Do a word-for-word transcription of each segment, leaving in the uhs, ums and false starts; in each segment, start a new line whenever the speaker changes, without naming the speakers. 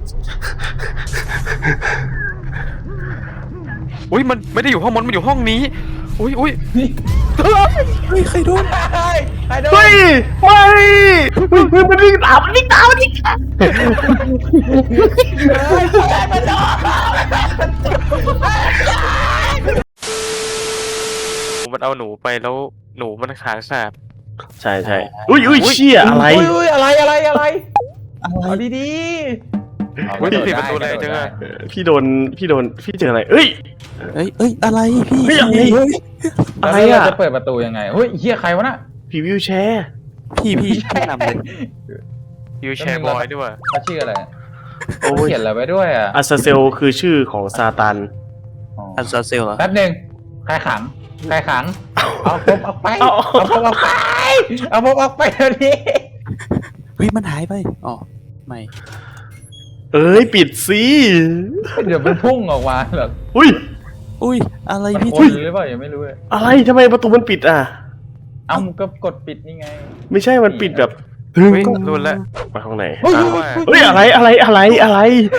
อุ้ยมันไม่ได้อยู่ห้องมันมันอยู่ห้องนี้อุ้ยอุ้ย
เฮ้ยใครโดน
ใครโดน
เฮ้ยไม่เฮ้ยเฮ้ยมันวิ่งตามมันวิ่งตามมันวิ่งตาม
มันเอาหนูไปแล้วหนูมันขาขาด
ใช่ใช่อุ้ยอุ้ยเชี่ยอะไร
อุ้ยอุ้ยอะไรอะไรอะไร
อะไร
เอาดี
เฮ้ยปิดประตูเลยจังอะ
เออพี่โดนพี่โดนพี่เจออะไรเอ้ย
เอ้ยเอ้ยอะไรพี่
เฮ้ยอะไร
เฮ้ย
ๆ
อะไร
แล้ว
อ่ะ
เราจะเปิดประตูยังไงเฮ้ยเฮียใครวะน่ะ
พี่วิวแชร์
พี่พี่แนะนำเลย
ยูแชร์บอยด้วยว่ะ
เขาชื่ออะไร
โอ้ย
เขียนอะไรไว้ด้วยอ่ะ
อาซาเซลคือชื่อของซาตาน
อ๋อ
อันซาเซลเหรอ
แป๊บหนึ่งใครขังใครขังเอาผมออกไป
เอา
เอาผมออกไปเอาผมออกไปเดี๋ยวนี้
เฮ้ยมันหายไปอ๋อไม่
เอ้ยปิดสิ
เดี๋ยวมันพุ่งออกมาแบบ
อุ้ย
อุ้ยอะไร
มัน
พี่
คน
ที่
หรือเปล่ายังไม่รู้เลย
อะไรทำไมประตูมันปิดอ่ะ
เอ้าก็กดปิดนี่ไง
ไม่ใช่มันปิดแบบ
เฮ้ยรุนละ
ไปห้องไหน
เฮ้ย
อ้าว
ว่า
เฮ้ยอะไรอะไรอะไรอะไร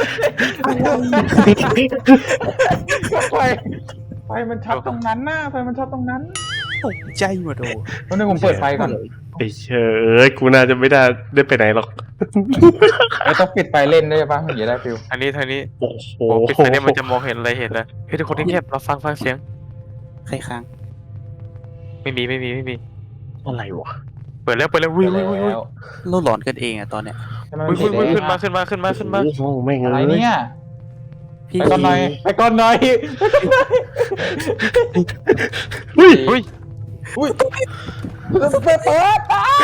ไฟไฟมันช็อตตรงนั้นน่ะไฟมันช็อตตรงนั้น
ตกใจหมดโอ้
ตอนนี้ผมเปิดไฟก่อน
ไอ้เชยเอ้ยกูน่าจะไม่ได้ได้ไปไหนหรอก
ไอ้ต้องปิดไฟเล่นด้วยป่ะถึงจะได้ฟิล
อันนี้ทางนี้
โอ้โห
โอ้ปิดไฟเนี่ยมันจะมองเห็นอะไรเห็นนะเฮ้ยทุกคนที่เงียบเราฟังฟังเสียง
ใครค้าง
ไม่มีไม่มีไม่มี
อะไรวะ
เปิดแล้วเปิดแล้ววิ่งวิ่งวิ่งวิ่ง
แล้ว
เราหลอนกันเองอะตอนเนี้ย
ทำไม
วิ่ง
มัน
วิ่ง
ติด
วิ่งขึ้นมาขึ้นมาขึ้นมาขึ้นมา
โอ้โหแม่ง
อะไร
เอ้ย
เนี่ย
พี่
ไปก่อนหน่อยไปก่อนหน่อย
เฮ้ย
เฮ้ย
อุ้ยเปิดเปิดอ่ะ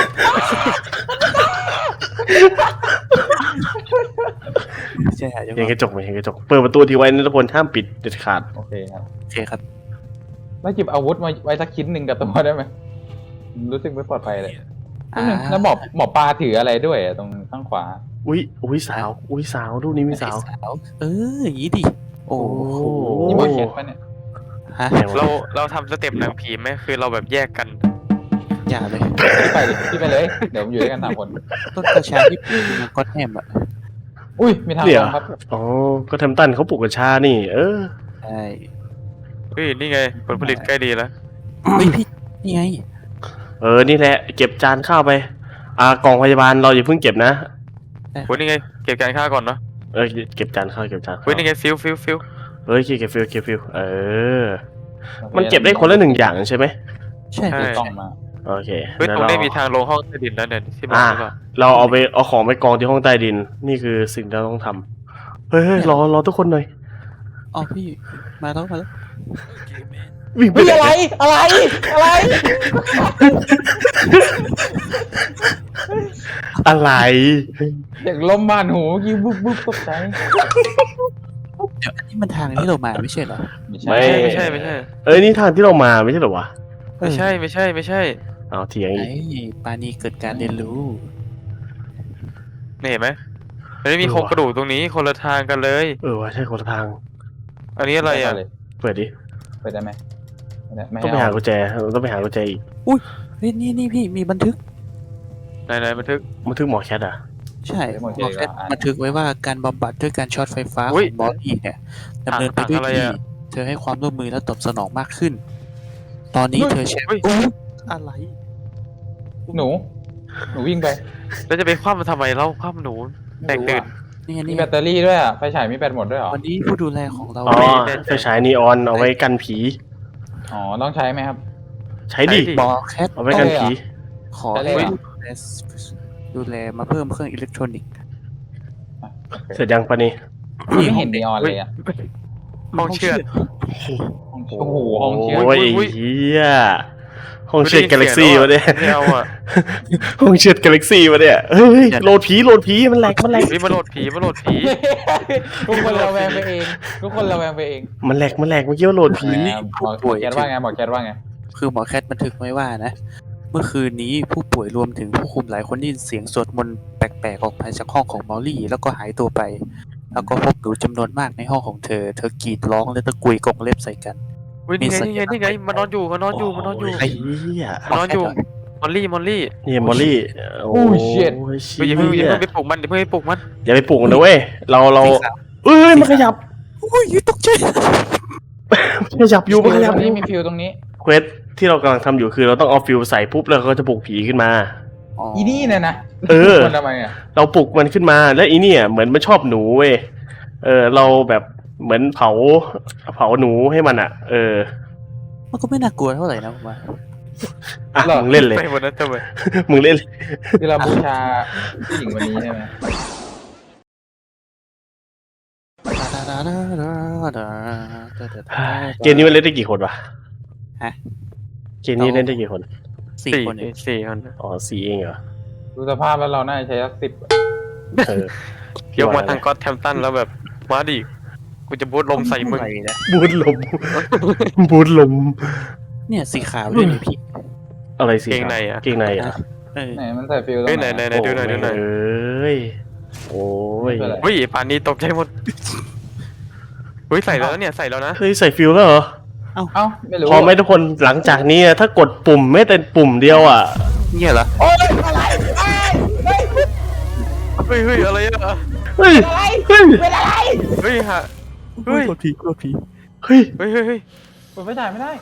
ใช่หายจัง
เห็นกระจกไหมเห็นกระจกเปิดประตูทีไว้นะทุกคนห้ามปิดเด็ดขาด
โอเคครับ
โอเคครับ
แล้วหยิบอาวุธมาไว้สักชิ้นหนึ่งกับตัวได้ไหมรู้สึกไม่ปลอดภัยเลย
อ่า
แล้วหมอหมอปลาถืออะไรด้วยอะตรงข้างขวา
อุ้ยอุ้ยสาวอุ้ยสาวรูปนี้มีสาว
สาวเอออย่างนี้ดิโอ้โห
นี่หมอเขียนปะเนี่ย
ฮะ
ไหนวะ
เราเราทำสเต็ปหนังผีไหมคือเราแบบแยกกัน
อย่าเลย
พี่ไปดิพี่ไปเลย เดี๋ยวผมอยู่ด้วยกันสามคน
ต้นกระชาที่ปลูกในก็อตแฮมอะ
อุ้ยมีทาง
เดี๋
ล
ยว
งครับ
อ๋อก็ทำตันเขาปลูกกัญชานี่ เออ
ใช่
เฮ้ยนี่ไงผลผลิตใกล้ดีแล้ว
เฮ้ยพี่นี่ไง
เออนี่แหละเก็บจานข้าวไปอ่ากล่องพยาบาลเราอย่าเพิ่งเก็บนะ
เฮ้ยนี่ไงเก็บการฆ่าก่อนเนาะ
เออเก็บจานข้าวเก็บจานข้าว
เฮ้ยนี่ไงฟิลฟิลฟิล
เฮ้ยเก็บฟิลเก็บฟิลเออ มันเก็บได้คนละหนึ่งอย่างใช่ไหม
ใช่
ใช่
เลย
กล้องมา
โอเค
เฮ้ย
แล้ว
ตรง
เรา
นี้มีทางลงห้องใต้ดินแล้วเนี่ยที่บอก
อ่า
หรือเปล่า
เราเอาไปเอาของไปกองที่ห้องใต้ดิน นี่คือสิ่งที่เราต้องทำเฮ้ยเฮ้ยรอรอทุกคนหน่อย
อ๋อพี่มาแล้วมาแล้ว
วิ่งไป
เฮ้ย
ไหน
อะไรอะไรอะไร
อะไร
เด็กลมบานหูเมื่อกี้บุ๊บบุ๊บตกใจ
เดี๋ยวอันนี้มันทางที่เรามาไม่ใช่เหรอ
ไม่ใช่
ไม่ใช่ไม่ใช่
เอ้ยนี่ทางที่เรามาไม่ใช่เหรอวะ
ไม่ใช่ไม่ใช่ไม่ใช่
เอาเถียงอี
ไอ้
ก
ปานีเกิดการเรียนรู้
นี่เห็นไหมมันไม่มีโครงกระดูกตรงนี้คนละทางกันเลย
เออว่าใช่คนละทาง
อันนี้อะไรอ่ะ
เลย
เปิดดิ
ไปได้ไหมไม่ได้ไม่
ต้องไป
ให้
หา
เอา
กุญแจเราต้องไปหากุญแจอีก
เฮ้ยนี่นี่พี่มีบันทึก
ไหนไหนบันทึก
มันถึงหมอแคทอ่ะ
ใช่หมอแคทบันทึกไว้ว่าการบำบัดด้วยการช็อตไฟฟ้าข
อุ๊ย
องบอสอีเนี่ยดำเนินไปด้วย
อะไร
ดี
อะ
เธอให้ความร่วมมือและตอบสนองมากขึ้น ตอนนี้เธอแชร์
เฮ้ย
อุ๊ยอะไร
หนู หนูวิ่งไป
แล้วจะไปคว่ำมันทำไมเล่าคว่ำหนูแตกตื่น
นี่ไง
มี
นี่
แบตเตอรี่ด้วยอ่ะไฟฉายมีแบตหมดด้วยเหรอ
วันนี้ผู้ดูแลของเรา
อ๋อ
แน่ใจ
ไฟฉายนีออนเอาไว้กันผี
อ๋อต้องใช้ไหมครับ
ใช้ดิ
ใช้ดิ
บอแคท
เอาไว้กันผี
ขอ
ได้
ให้
เลยเหรอ
ดูแลดูแลมาเพิ่มเครื่องอิเล็กทรอนิกส์
เสร็จยังปะนี่
ไม่เห็นนีออนเลยอ่ะ
ห้องเชือด
โอ้โหห้องเชือด
โอ้ย
อุ๊ย
เฮียห้องเชือดกาแล็กซี่วะเนี่ย
ไม่เอาอ่ะ
ห้องเชือดกาแล็กซี่วะเนี่ยเฮ้ยโหลดผีโหลดผีมันแหลกมันแหลก
เฮ้ยมาโหลดผีมาโหลดผี
ทุกคนระแวงไปเอง ทุกคนระแวงไปเอง
มันแหลกมันแหลกเมื่อกี้ว่าโหลดผี
หมอหมอแคทว่าไงหมอแคทว่าไง
คือหมอแคทบันทึกไว้ว่านะ เมื่อคืนนี้ผู้ป่วยรวมถึงผู้คุมหลายคนได้ยินเสียงสวดมนต์แปลกๆออกมาจากห้องของมอลลี่ แล้วก็หายตัวไป แล้วก็พบหนูจำนวนมากในห้องของเธอ เธอกรีดร้องและตะกุยกรงเล็บใส่กัน
เฮ้ยนี่ไงนี่ไงนี่ไงมันนอนอยู่มันนอนอยู่มันนอนอยู่
ไอ้เหี้ย
นอนอยู่มอลลี่มอลลี่
นี่มอลลี่โอ้
โอ้ shit
เช
เฮ้ยอย่าเพิ่งอย่า
ี่
เพิ่งไปปลุกมันอย่าเพิ่งไปปลุกมัน
อย่าไปปลุกมันนะเว้ยเราเรา
สีขาว
เอ้ยมันขยับ
อุ้ยตกใจ
มันขยับอยู่มันขยับ
ตรง
อ
นี้
ยู่
มีฟิวตรงนี้
เควสที่เรากำลังทำอยู่คือเราต้องเอาฟิวใส่ปุ๊บแล้วก็จะปลุกผีขึ้นมา
อีนี่เนี่ยนะ
เออ
มันทำไมอ่ะ
เราปลุกมันขึ้นมาแล้วอีเนี่ยเหมือนมันชอบหนูเว้ยเออเราแบบเหมือนเผาเผาหนูให้มันอ่ะ เออ
มันก็ไม่น่ากลัวเท่าไหร่นะผมว่า
อ่ะมึงเล่นเลย
ไปหมดแล้วทำไม
มึงเล่นเลย
คือเราบูชาผู้หญิงวันนี้ใช่ไหม
เกมนี้มันเล่นได้กี่คนวะ
ฮะ
เกมนี้เล่นได้กี่คน
สี่
สี่
คนเอง
สี่คน
อ๋อสี่เองเหรอ
ดูสภาพแล้วเราน่าจะใช้สักสิบ
เออย
กมาทางก็อตแทมตันแล้วแบบมาดิกูจะบูทลมใส่มึง
อะไรนะ
บูทลม บูทลม
เนี่ยสีขาวด้วยนี่พี่
อะไรสิ
เกงในอ่ะ
เกงในอ่ะ
เออ
ไหนมันใส่ฟิวตรง
เฮ้ยไห
ไห
น
น
ไหนไหนดูหน่อยดูหน่อย
เอ้ยโอ้ย
ไม่เป็นไร
เฮ้ยป่านนี้ตกใจหมดเฮ้ยใส่แล้วเนี่ยใส่แล้วนะ
เฮ้ยใส่ฟิลแล้วเหรอ
เอ้าไม่รู้
พอไหมทุกคนหลังจากนี้อะถ้ากดปุ่มไม่แต่ปุ่มเดียวอ่ะ
เนี่ยเหรอ
โอ้ยอะไรเอ้ยเฮ้ย
เฮ้ยเฮ้ยอะไรอ่ะ
เฮ้ย
อะไร
เฮ้ย
เป็นอะไร
เฮ้ยฮะ เฮ้ย
โคตรผีโคตรผี
เฮ้ย
เฮ้ยเฮ้ยเฮ้ย
เปิดไฟฉายไม่ได้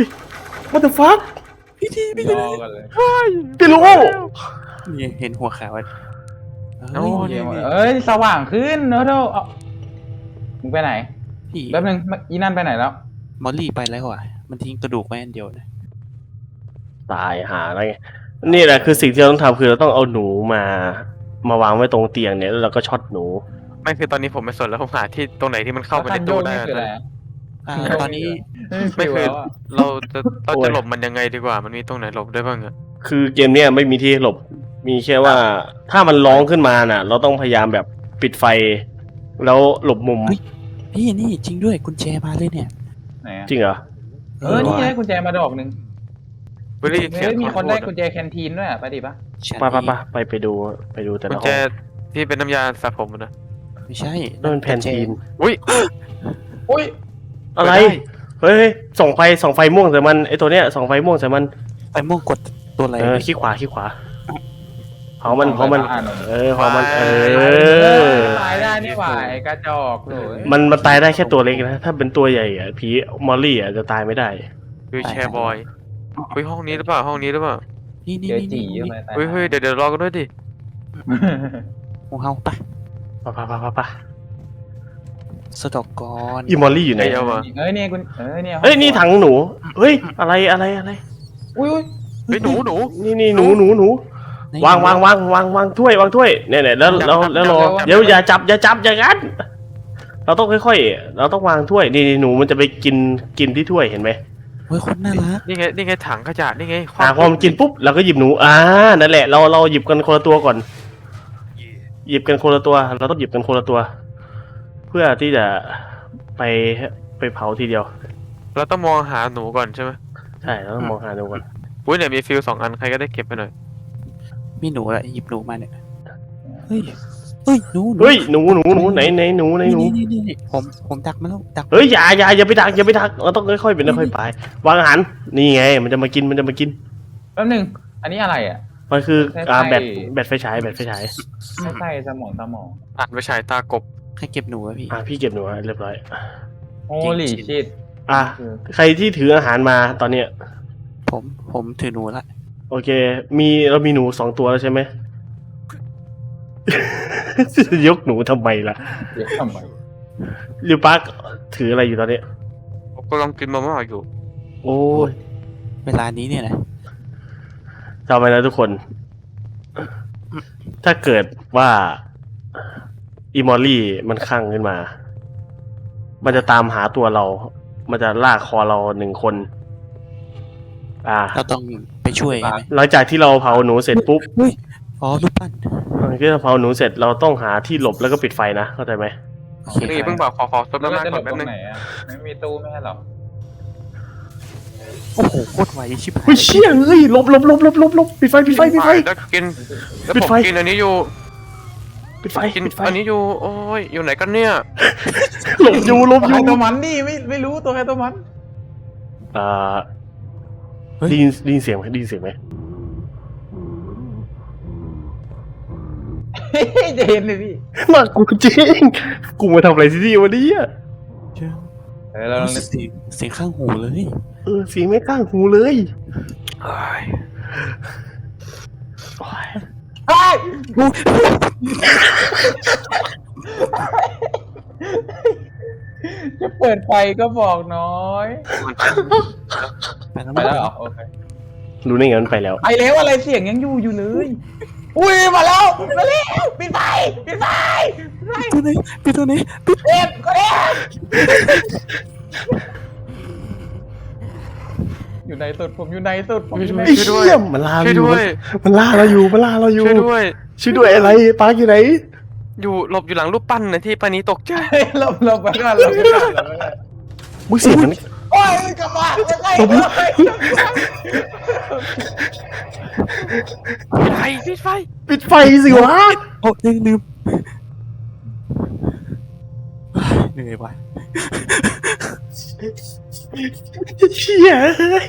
what the fuck
พี่ทีพี่
ร
ที
อกันเลย
พี่รู้
นี่เห็นหัวขาวอ่ะ
โอ้
เยี่ยมเลยเอ้ยสว่างขึ้นเนอะเท่าเอามึงไปไหน
พี่
แป๊บนึงอีนั่นไปไหนแล้ว
มอลลี่ไปแล้วอ่ะมันทิ้งกระดูกไว้อันเดียวนะ
ตายหาอะไรไงนี่แหละคือสิ่งที่เราต้องทำคือเราต้องเอาหนูมา มาวางไว้ตรงเตียงเนี่ยแล้วเราก็ช็อตหนู
ไม่คือตอนนี้ผมไม่สนแล้วผมหาที่ตรงไหนที่มันเข้าไปในตู้ได้
แล้วคันโยกนี่คืออะไร
นะ
อะ
อ่าตอนนี้
ไม่คือ
แล้วอะ
เราจะเราจะหลบมันยังไงดีกว่า มันมีตรงไหนหลบได้บ้างอะ
คือเกมเนี้ยไม่มีที่หลบ มีแค่ว่าถ้ามันร้องขึ้นมาน่ะ เราต้องพยายามแบบปิดไฟ แล้วหลบมุม
พี่นี่จริงด้วยกุญแจมาเลยเนี่ย
ไหนอะ
จริงเหรอ
เออนี่ไงกุญแจมาดอกหนึ่ง
เฮ้ยได้ยินเสียง
เฮ้ยมีคนได้
ขอโทษ
กุญแจแคนทีนด้วยอะไปดิปะ
ไปไปไปไปไปดูไปดูแต่
กุ
ละ
ญ
ห้
แจ
อง
ที่เป็นน้ำยาสระผมอะนะ
ไม่ใช่
นั่นมันแพนทีน
อุ้ย
อุ้ย
อะไร
เปิดได้
เฮ้ยส่องไฟส่องไฟม่วงใส่มันไอตัวเนี้ยส่องไฟม่วงใส่มัน
ไอ้ม่วงกดตัวอะไร
เออขี้ขวาขี้ขวาเผามันเผามัน
อ่าน
เออเผามัน เออ
ตายได้นี่หว่าไอ้กระจอกเลย
มันมันตายได้แค่ตัวเล็กนะ ถ้าเป็นตัวใหญ่อะผีมอลลี่อะจะตายไม่ได้
วิวแชร์บอยเฮ้ยห้องนี้หรือเปล่าห้องนี้หรือเปล่า
นี่นี่
เจอ
นี่
จี
นี่
ใช่ไหม
นี่
ตาย
เฮ้ยเฮ้ยเดี๋ยวเดี๋ยวรอกันด้วยดิ
หมูเฮาปะ
ปะปะปะปะปะ
สต็อกกอน
อีมอลลี่อยู่ไหน
ไอ้เอาวะ
เอ้ยนี่คุณเอ้ยเนี่ย
เอ้ยนี่ถังหนู เฮ้ยอะไรอะไรอะไร
อุ้ยอุ้ย
เฮ้ยหนูหนู
นี่นี่หนูหนูหนู วางวางวางวางวางถ้วยวางถ้วยเนี่ยเนี่ยแล้วแล้วแล้วรอเดี๋ยวอย่าจับอย่าจับอย่างนั้นเราต้องค่อยๆเราต้องวางถ้วยนี่นี่หนูมันจะไปกินกินที่ถ้วยเห็นไหม
เฮ้ยคนน่ารัก
นี่ไงนี่ไงถังขยะนี่ไง
อ่าพอมันกินปุ๊บเราก็หยิบหนูอ่านั่นแหละเราเราหยิบกันคนละตัวก่อน หยิบกันคนละตัว เราต้องหยิบกันคนละตัว เพื่อที่จะไปไปเผาทีเดียว
เราต้องมองหาหนูก่อนใช่ไหม
ใช่เราต้องมองหาหนูก่อน
อุ้ยเนี่ยมีฟิลสองอันใครก็ได้เก็บไปหน่อย
มีหนูอะหยิบหนูมาเนี่ยเฮ้ยเฮ้ยหนูหนู
เฮ้ยหนูหนูหนูไหนไหนหนูไหนหนู
นี่นี่นี่นี่ผมผมดักมาแล้วดัก
เฮ้ยอย่าอย่าอย่าไปดักอย่าไปดักเราต้องค่อยๆเป็นค่อยๆไปวางอาหารนี่ไง มันจะมากินมันจะมากิน
แป๊บนึงอันนี้อะไรอ่ะ
มันคือ
ใช่
อ่า
ใช่
แบตแบตไฟฉายแบตไฟฉาย
ไม่ใช่สมองสมอง
อ่านไปฉายตากบ
ให้เก็บหนูอะพี่
อ่าพี่เก็บหนูไว้เรียบร้อย
โอ้หลีชิด
อ่ะใครที่ถืออาหารมาตอนเนี้ย
ผมผมถือหนูละ
โอเค มีเรามีหนูสองตัวแล้วใช่ไหม ยกหนูทำไมล่ะ
เดี๋ยวทำไม
ลิวปาร์คถืออะไรอยู่ตอนเนี้ย
ผมกำลังกินมาม่าอยู่
โอ้ย
เวลานี้เนี่ยนะ
จำไว้นะทุกคน ถ้าเกิดว่าอีมอลลี่มันคลั่งขึ้นมา มันจะตามหาตัวเรา มันจะลากคอเราหนึ่งคน อ่า
เราต้องไปช่วยใช่ไหม
หลังจากที่เราเผาหนูเสร็จปุ๊บ
เฮ้ยอ๋อรูปปั้น
หลังจากที่เราเผาหนูเสร็จเราต้องหาที่หลบแล้วก็ปิดไฟนะ เข้าใจไหม
โอเค
นี่เพิ่งบอกขอขอซด
แล้ว
น้ำ
เรา
มัน
จะหล
ก่อบ นแป๊
ต
บ
ร
นึ
ง
ง
ไหนอ่ะไม่มีตู้ไม่ใช่หรอ
โอ้โหโคตรไวชิบหาย
เฮ้ยเชี่ยเฮ้ยหลบหลบหลบหลบหลบหลบปิดไฟปิดไฟปิดไฟ
แล้วกินแล้ว
ปิด
ผม
ไฟ
กินอันนี้อยู่
ปิดไฟ
กิน
ปิดไฟ
อันนี้อยู่โอ้ยอยู่ไหนกันเนี่ย
หลบอยู่หลบ
ตัว
อ
ใคร
ยู่
ตัวมันดิไม่ไม่รู้ตัวใครตัวมัน
อ่าได้ยินได้ยินเสียงไหมได้ยินเสียงไหม
จะเห็นเลยพี่
น่ากลัวจริงกูมาทำอะไรที่นี่วันนี้อ่ะ
เออเราลอง
เสียงเสียงข้างหูเลย
เออเสียงไม่ข้างหูเลย
เฮ้ย
โอ้ย
เฮ้ยจะเปิดไฟก็บอกน้อย
ไปแล้ว
ไปแล้วเหรอโอเค
รู้ได้ไงมันไปแล้ว
ไปแล้วอะไรเสียงยังอยู่อยู่เลยอุ้ยมาแล้วมาแล้วปิดไฟปิดไฟปิดไฟ
ตัวไหนปิดตัวไหนปิด
เอ็มก็เอ็มอยู่ในสุดผมอยู่ในสุดผมอยู่ใน
ไอ้
สุด
เหี้ยมันล่า
ช่วย
เราอยู่
ด้วย
มันล่าเราอยู่มันล่าเราอยู่
ช่วยด้วย
ช่วยด้วยอะไรปาร์คอยู่ไหน
อยู่หลบอยู่หลังรูปปั้นนะที่ปานี้ตกใจ
หลบหลบไปก่อนหลบไปก่อนหลบไปก่อน
มึงเสียงมัน
โอ้ยกลับมาไม่ใช่
หลบ
ปิดไฟปิดไฟ
ปิดไฟสิวะ
โอ้ลืมลืมเหนื่อยว่ะ
เชี่ย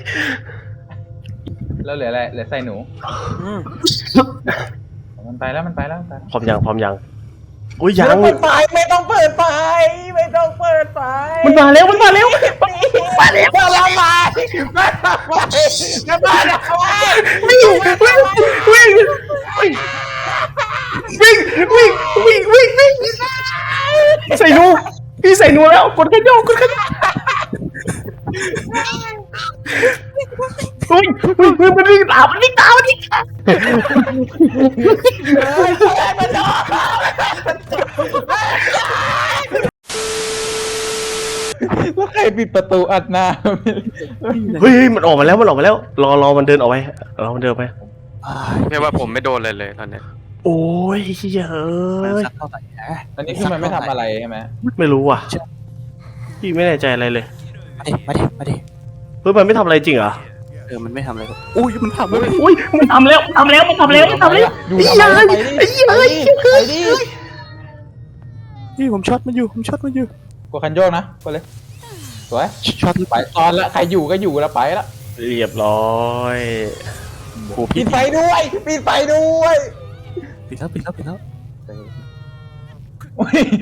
แล้วเหลืออะไรเหลือใส่หนู
อืม
มันไปแล้วมันไปแล้วมันไปแล้ว
พร้อมยังพร้อมยังโอ้ยยัง
ไม่ต้องเปิดไฟไม่ต้องเปิดไฟไม่ต้องเปิดไฟ
มันมาแล้วมันมาแล้ว
มาแล้วมาแล้วมามาแล้วมาแล้ว
วิ่งวิ่งวิ่งวิ่งวิ่งวิ่งวิ่งวิ่งใส่หนูพี่ใส่หนูแล้วกดกระโดดกดกระโดดอุ้ยอุ้ยมันวิ่งตามมันวิ่งตามมันวิ่งตาม
แล้วใครปิดประตูอัดหน้า
เฮ้ยมันออกมาแล้วมันออกมาแล้วรอรอมันเดินออกไปรอมันเดินไป
แค่ว่าผมไม่โดนเลยเลยตอนเนี้ย
โอ้ยเย
มัน
อะ
สักเท่าไหร่นะ
อันนี้คือมันไม่ทำอะไรใช่ไหม
ไม่รู้ว่ะพี่ไม่แน่ใจอะไรเลย
มาดิมาดิมาดิ
เฮ้ยมันไม่ทำอะไรจริงเหรอ
เออมันไม่ทำอะไรหรอกอุ้ยมันทำเลย
อุ้ยมันทำแล้วมันทำแล้วมันทำแล้วมันทำแล้ว
อยู่
ไอ้
ทำ
เหี้ย
ไม
ไอ้เหี้ย
ไป
ไอ้
ดิ
เหี้ย
ไปดิ
พี่ผมช็อตมันอยู่ผมช็อตมันอยู่
กดคันโยกนะกดเลยสวย
ช็อตหรือ
ไปตอนละใครอยู่ก็อยู่แล้วไปละ
เรียบร้อยโอ้
ปิ
พี่
ดไฟด้วยปิดไฟด้วย
ปิดแล้วปิดแล้วปิดแล้ว
โอ้ย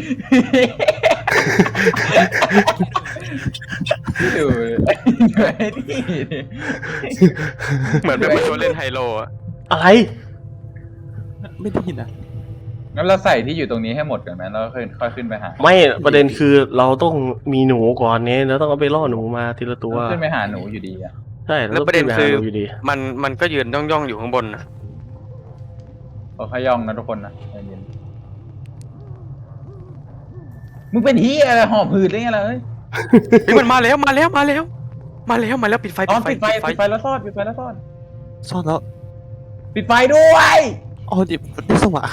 ดูไอ้นี่
เหมือนเป็นคนเล่นไฮโลอะ
อะไร
ไม่ได้ยินอ่ะ
งั้นเราใส่ที่อยู่ตรงนี้ให้หมดก่อนไหมแล้วค่อยค่อยขึ้นไปหา
ไม่ประเด็นคือเราต้องมีหนูก่อนเนี้ยแล้วต้องเอาไปล่อหนูมาทีละตัว
ขึ้นไปหาหนูอยู่ดีอ่ะ
ใช่
แล้วประเด็น
ต้อง
คื
ขึ้
อ
ไปหาหนูอยู่ดี
มันมันก็ยืนย่องย่องๆอยู่ข้างบนนะ
เราขย่องนะทุกคนนะใจเย็นมึงเป็นเฮียอะไรหอบหืดได้ไงล่ะเอ้ย
เฮ้ยมันมาแล้วมาแล้วมาแล้ว มาแล้วมาแล้วปิดไฟ
ต
ปิ
อน
ดไฟ
ปิดไฟปิดไฟแล้วซ่อนปิดไฟแล้วซ่อน
ซ่อนแล้ว
ปิดไฟด้วย
อ๋อเดี๋ยวได้สว่าง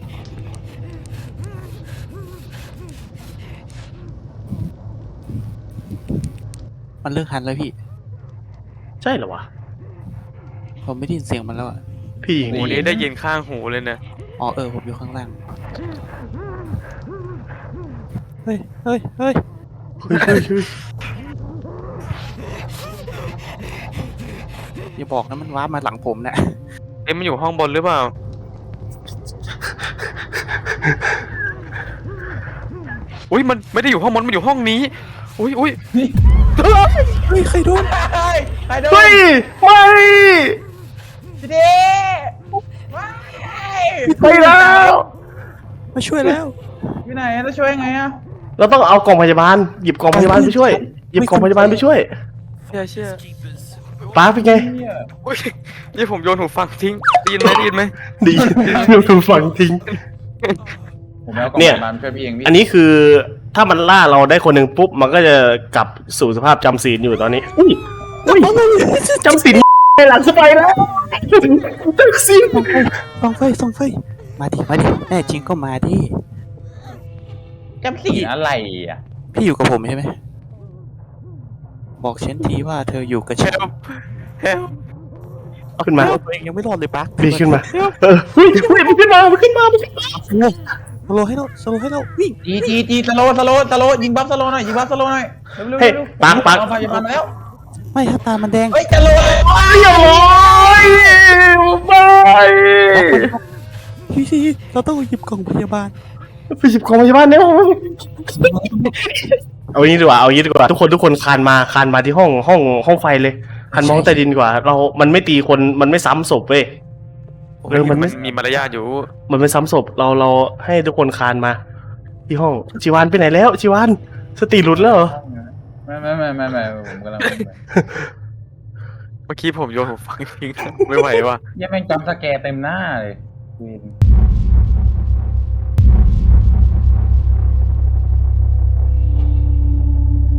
มันเลิกหันแล้วพี่
ใช่เหรอวะ
ผมไม่ได้ยินเสียงมันแล้วอ่ะ
พี่ยิง
หูนี้ได้ยินข้างหูเลยนะ
อ๋อเออผมอยู่ข้างล่างเฮ้ยเฮ้ยเฮ้ย
เฮ้ยเฮ้ยเฮ้ย
อย่าบอกนะมันว้าร์ปมาหลังผมนะ
เอ๊ะมันอยู่ห้องบนหรือเปล่าอุ้ยมันไม่ได้อยู่ห้องบนมันอยู่ห้องนี้อุ้ยอุ้ย
เฮ้ยใครโดน
เฮ้ยใครโดน
เฮ้ยไม่
พี่เด้ว้าย
ไปแล้ว
มาช่วยแล้ว
อยู่ไหนแล้วช่วยยังไงอะ
เราต้องเอากล่องพยาบาลหยิบกล่องพยาบาลไปช่วยหยิบกล่องพยาบาลไปช่วย
เชื่อเชื่อ
ป้าเป็นไง
เนี่ย
อุ้ยนี่ผมโยนหูฟังทิ้งได้ยินไหมได้ยินไหม
ดีเดี๋ยวดูฟังทิ้ง
ผมเอากล่อง
เนี่ย
พาบาลช่วยพี่เองพี่
อันนี้คือถ้ามันล่าเราได้คนหนึ่งปุ๊บมันก็จะกลับสู่สภาพจำศีลอยู่ตอนนี้อุ้ยอุ้ยจำศีลในหลังสไปแล้วจำศีล
ส่องไฟส่องไฟมาดิมาดิแน่จริงก็มาดิ
จำสีอะไรอ่ะ
พี่อยู่กับผมใช่ไหมบอกฉันทีว่าเธออยู่กับ
เฮ
ฉัน
ลเฮล
ขึ้นมา
ตัวเองยังไม่รอดเลยปะ
พี่ขึ้นมาเออเฮ้ยเฮ้ยมันขึ้นมามันขึ้นมามันขึ้นมา
โอ้สโลให้เราสโลให้เราวิ่ง
จีจีจีสโลสโลสโลยิงบัฟสโลหน่อยยิงบัฟสโลหน่อยเร็วเร็ว
เฮ้ย
เร็ว
ปังปัง
เอาพยาบาลมาแล้ว
ไม่ครับตามันแดง
เฮ้ยจะโลเลย
เรียบร้อยไป
พี่พี่เราต้องหยิบกล่องพยาบาล
ไปหยิบของพยาบาลในห้องเอางี้ดีกว่าเอางี้ดีกว่าทุกคนทุกคนคานมาคานมาที่ห้องห้องห้องไฟเลยคานมองใต้ดินดีกว่า เรา มันไม่ตีคนมันไม่ซ้ำศพเว้ย เออมันไม่
มีมารยาทอยู่
มันไม่ซ้ำศพเราเราให้ทุกคนคานมา ที่ห้องชิวานไปไหนแล้วชิวานสติหลุดแล้วเหรอ
ไม่ไม่ไม่ไม่ไม่ผมกำลัง
เมื่อกี้ผมโยนหูฟังทิ้งไม่ไหวว่ะ
ยังแม่งจำสแกร์เต็มหน้าเลย